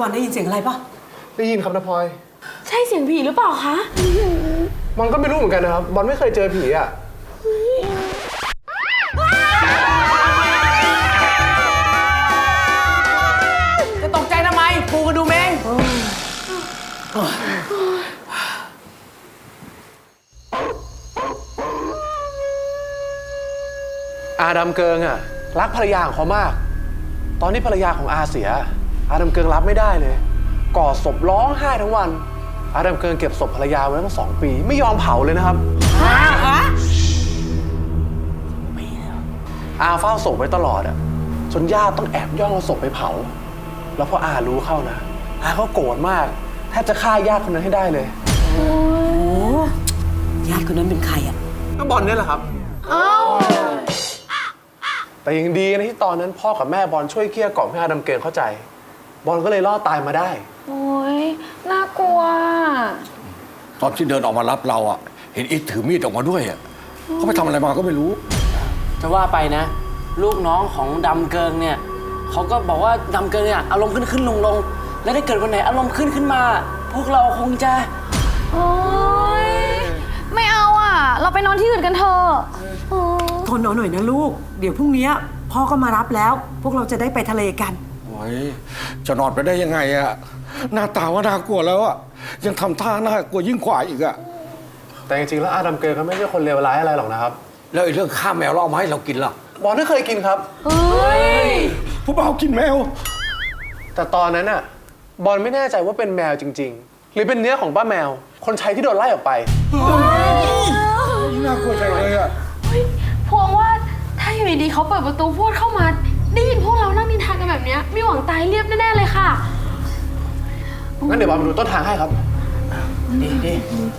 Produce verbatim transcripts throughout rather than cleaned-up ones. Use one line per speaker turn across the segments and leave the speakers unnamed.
อนได้ยินเสียงอะไรปะ
ได้ยินครับนะพลอย
ใช่เสียงผีหรือเปล่าคะ
บอลก็ไม่รู้เหมือนกันนะครับบอลไม่เคยเจอผีอ่ะ
จะตกใจทำไมปูกระดูเมง
อาดัมเกิงอ่ะรักภรรยาของเขามากตอนที่ภรรยาของอาเสียอาดัมเกิงรับไม่ได้เลยกอดศพร้องไห้ทั้งวันอาดัมเกิงเก็บศพภรรยาไว้ตั้งสองปีไม่ยอมเผาเลยนะครับอาเฝ้าศพไว้ตลอดอ่ะจนญาติต้องแอบย่องเอาศพไปเผาแล้วพออารู้เข้านะอาก็โกรธมากแทบจะฆ่าญาติคนนั้นให้ได้เลย
โอ้ญาติคนนั้นเป็นใครอ่ะ
ก็บอลนี่แหละครับอ้าวแต่ยังดีนะที่ตอนนั้นพ่อกับแม่บอลช่วยเกลี้ยกล่อมให้อาดัมเกิงเข้าใจบอลก็เลยรอดตายมาได้
โอ้ยน่ากลัว
ตอนที่เดินออกมารับเราอ่ะเห็นอิทถือมีดออกมาด้วยอ่ะเขาไปทำอะไรมาก็ไม่รู้
จะว่าไปนะลูกน้องของดำเกิงเนี่ยเขาก็บอกว่าดำเกิงเนี่ยอารมณ์ขึ้นขึ้นลงลงแล้วถ้าเกิดวันไหนอารมณ์ขึ้นขึ้นมาพวกเราคงจะ
โอ๊ยไม่เอาอ่ะเราไปนอนที่อื่นกันเถอะ
ทนเอาหน่อยนะลูกเดี๋ยวพรุ่งนี้พ่อก็มารับแล้วพวกเราจะได้ไปทะเลกัน
โอ้ยจะนอนไปได้ยังไงอะหน้าตาว่าน่ากลัวแล้วอะยังทำท่าน่ากลัวยิ่งกว่าอีกอะ
แต่จริงๆแล้วอาดัมเกิงเขาไม่ใช่คนเลวร้ายอะไรหรอกนะครับ
แล้วไอ้เรื่องฆ่าแมวเราเอามาให้เรากินล่ะ
บอลไม่เคยกินครับ
เฮ้ย
ผู้บ่าวกินแมว
แต่ตอนนั้นอะบอลไม่แน่ใจว่าเป็นแมวจริงๆหรือเป็นเนื้อของป้าแมวคนใช้ที่โดนไล่ออกไป
น่ากลัวจังเลยอะ
พวงว่าถ้าอยู่ดีๆเขาเปิดประตูพูดเข้ามาได้ยินพวกเรานั่งนินทากันแบบนี้มีหวังตายเรียบแน่ๆเลยค่ะ
งั้นเดี๋ยวบอลไปดูต้นทางให้ครับ
ดีดี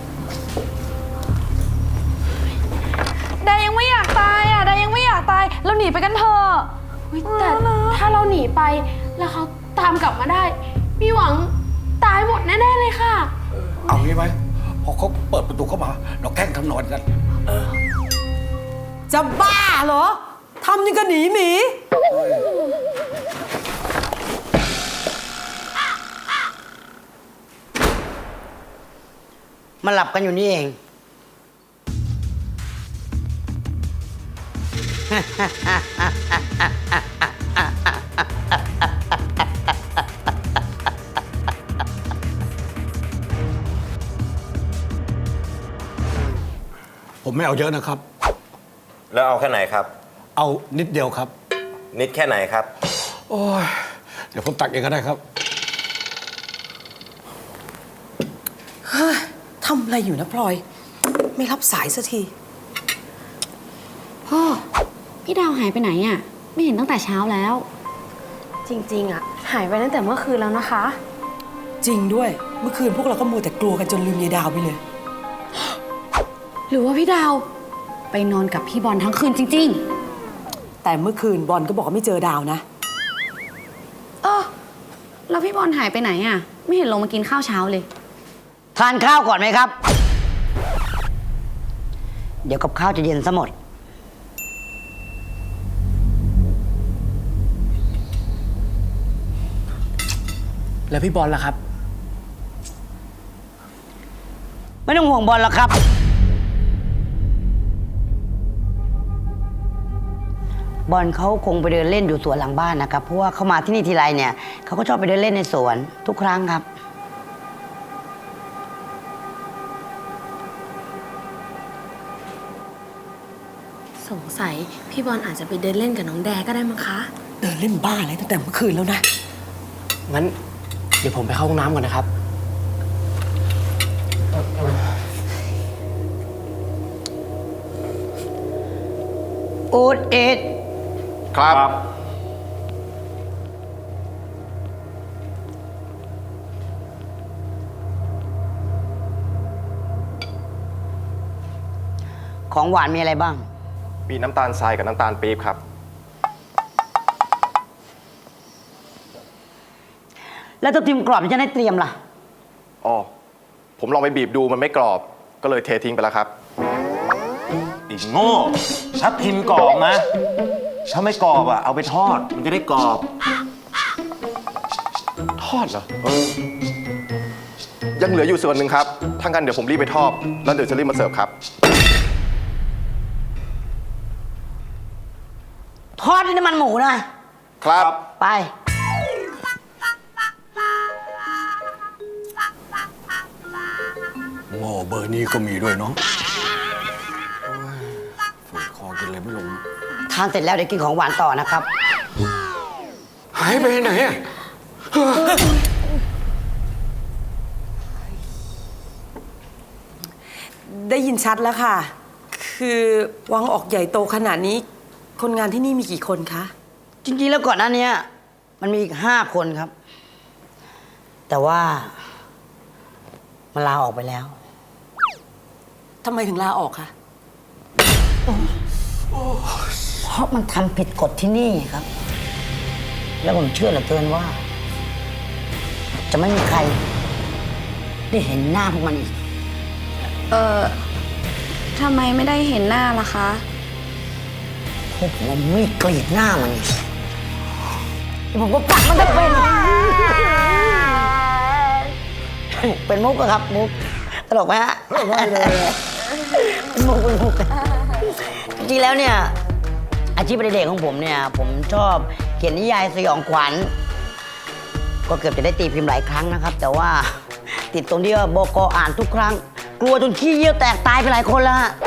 ดายังไม่อยากตายอ่ะดายังไม่อยากตายเราหนีไปกันเถอะแต่ถ้าเราหนีไปแล้วเขาตามกลับมาได้มีหวังตายหมดแน่ๆเลยค่ะ
เอางี้ไหมพอเขาเปิดประตูเข้ามาเราแกล้งทำนอนกัน
จะบ้าเหรอทำยังก็หนีหมี
มาหลับกันอยู่นี่เอง
ผมไม่เอาเยอะนะครับ
แล้วเอาแค่ไหนครับ
เอานิดเดียวครับ
นิดแค่ไหนครับ
โอ้ยเดี๋ยวผมตักเองก็ได้ครับ
เฮ้ยทำอะไรอยู่นะพลอยไม่รับสายสักที
พ่อพี่ดาวหายไปไหนอ่ะไม่เห็นตั้งแต่เช้าแล้วจริงๆอ่ะหายไปตั้งแต่เมื่อคืนแล้วนะคะ
จริงด้วยเมื่อคืนพวกเราก็มัวแต่กลัวกันจนลืมยายดาวไปเลย
หรือว่าพี่ดาวไปนอนกับพี่บอลทั้งคืนจริง
ๆแต่เมื่อคืนบอลก็บอกว่าไม่เจอดาวนะ
เออแล้วพี่บอลหายไปไหนอ่ะไม่เห็นลงมากินข้าวเช้าเลย
ทานข้าวก่อนไหมครับเดี๋ยวกับข้าวจะเย็นซะหมด
แล้วพี่บอลล่ะครับ
ไม่ต้องห่วงบอลหรอกครับบอลเขาคงไปเดินเล่นอยู่สวนหลังบ้านนะครับเพราะว่าเขามาที่นี่ทีไรเนี่ยเขาก็ชอบไปเดินเล่นในสวนทุกครั้งครับ
สงสัยพี่บอลอาจจะไปเดินเล่นกับน้องแดก็ได้มั้งคะ
เดินเล่นบ้าอะไรตั้งแต่เมื่อคืนแล้วนะ
งั้นเดี๋ยวผมไปเข้าห้องน้ำก่อนนะครับ
อูดเอ็ด
ครับ
ของหวานมีอะไรบ้าง
มีน้ำตาลทรายกับน้ำตาลปี๊บครับ
แล้วตัวทิมกรอบที่จะได้เตรียมล่ะ
อ๋อผมลองไปบีบดูมันไม่กรอบก็เลยเททิ้งไปแล้วครับ
อีกโง่ชักทิมกรอบนะถ้าไม่กรอบอ่ะเอาไปทอดมันจะได้กรอบท
อดเหรอ
เออ ยังเหลืออยู่ส่วนหนึ่งครับ ถ้างั้นเดี๋ยวผมรีบไปทอด แล้วเดี๋ยวจะรีบมาเสิร์ฟครับ
ทอดด้วยน้ำมันหมูนะ
ครับ
ไป
หม้อเบอร์นี้ก็มีด้วยเนาะฝืดคอกินอะไรไม่ลง
ทานเสร็จแล้วเดี๋ยวกินของหวานต่อนะครับ
หายไปไหนอะ
ได้ยินชัดแล้วค่ะ คือวังออกใหญ่โตขนาดนี้ คนงานที่นี่มีกี่คนคะ
จริงๆแล้วก่อนหน้านี้มันมีอีกห้าคนครับ แต่ว่ามันลาออกไปแล้ว
ทำไมถึงลาออกคะ
เพราะมันทำผิดกฎที่นี่ครับ แล้วผมเชื่อเหลือเกินว่า จะไม่มีใคร ได้เห็นหน้าพวกมันอีก
เออทำไมไม่ได้เห็นหน้าล่ะคะ
พวกผมเอามีดกรีดหน้ามันอีกแล้วผมก็ปักมันจะเป็น เป็นมุกอะครับมุกตลกไหมฮะไม่เลยเป็นมุกเป็นมุกจริงๆแล้วเนี่ยอาชีพเด็กของผมเนี่ย ผมชอบเขียนนิยายสยองขวัญก็เกือบจะได้ตีพิมพ์หลายครั้งนะครับ แต่ว่าติดตรงที่ว่าบกอ่านทุกครั้ง กลัวจนขี้เยี่ยวแตกตายไปหลายคนแล้วฮะ